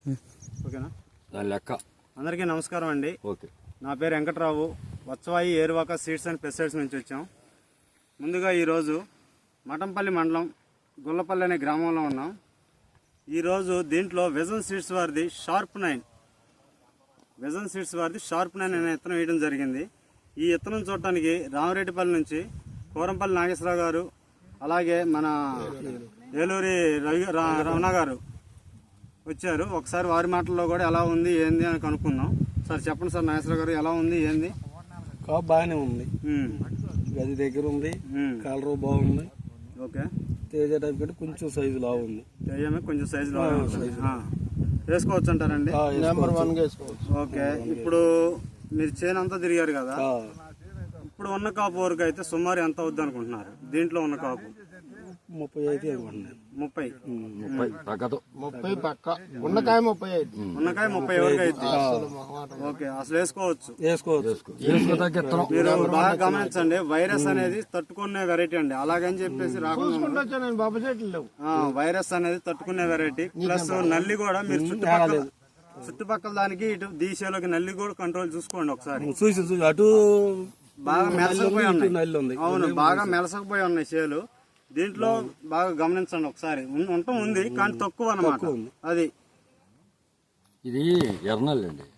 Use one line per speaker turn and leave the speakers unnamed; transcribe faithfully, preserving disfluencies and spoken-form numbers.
ఓకేనా
దాని లెక్క.
అందరికీ నమస్కారం అండి.
ఓకే.
నా పేరు Venkatrao, Vatsavai Eruvaka seeds and pesticides నుంచి వచ్చాం. ముందుగా ఈరోజు మఠంపల్లి మండలం గుల్లపల్లి అనే గ్రామంలో ఉన్నాం. ఈరోజు దీంట్లో విజన్ సీడ్స్ వారిది షార్ప్ నైన్ విజన్ సీడ్స్ వారిది షార్ప్ నైన్ అనే విత్తనం వేయడం జరిగింది. ఈ విత్తనం చూడటానికి రామరెడ్డిపల్లి నుంచి కోరంపల్లి నాగేశ్వరరావు గారు, అలాగే మన ఏలూరి రవి రమణ గారు వచ్చారు. ఒకసారి వారి మాటల్లో కూడా ఎలా ఉంది ఏంది అని కనుక్కుందాం. సార్ చెప్పండి సార్, నాగేశ్వరరావు గారు ఎలా ఉంది ఏంది?
కాపు బాగానే ఉంది, గది దగ్గర ఉంది, కలర్ బాగుంది.
ఓకే.
తేజ టైప్ కంటే కొంచెం సైజు లా ఉంది.
తేజమే కొంచెం సైజు లా వేసుకోవచ్చు అంటారండి?
నెంబర్ వన్ వేసుకోవచ్చు.
ఓకే. ఇప్పుడు మీరు చేను అంతా తిరిగారు కదా, ఇప్పుడు ఉన్న కాపు వరకు అయితే సుమారు ఎంత అవుద్ది అనుకుంటున్నారు? దీంట్లో ఉన్న కాపు
ముప్పై అయితే అనుకుంటున్నాను.
ముప్పై
ముప్పై తగ్గదు.
ముప్పై పక్క ఉన్నకాయ ముప్పై అయితే
ఉన్నకాయ ముప్పై వరకు అయితే ఓకే, అసలు వేసుకోవచ్చు.
వేసుకోవచ్చు.
మీరు బాగా గమనించండి, వైరస్ అనేది తట్టుకునే వెరైటీ అండి. అలాగని చెప్పేసి రాకుండా వైరస్ అనేది తట్టుకునే వెరైటీ. ప్లస్ నల్లి కూడా మీరు చుట్టుపక్కల చుట్టుపక్కల దానికి ఇటు దీశలోకి నల్లి కూడా కంట్రోల్ చూసుకోండి ఒకసారి.
చూసి చూసి అటు
బాగా మెలసకపోయి ఉన్నాయి. అవును, బాగా మెలసకపోయి ఉన్నాయి చేలు. దీంట్లో బాగా గమనించండి ఒకసారి. ఉండటం ఉంది కానీ తక్కువ అన్నమాట. అది
ఇది ఎర్నల్ అండి.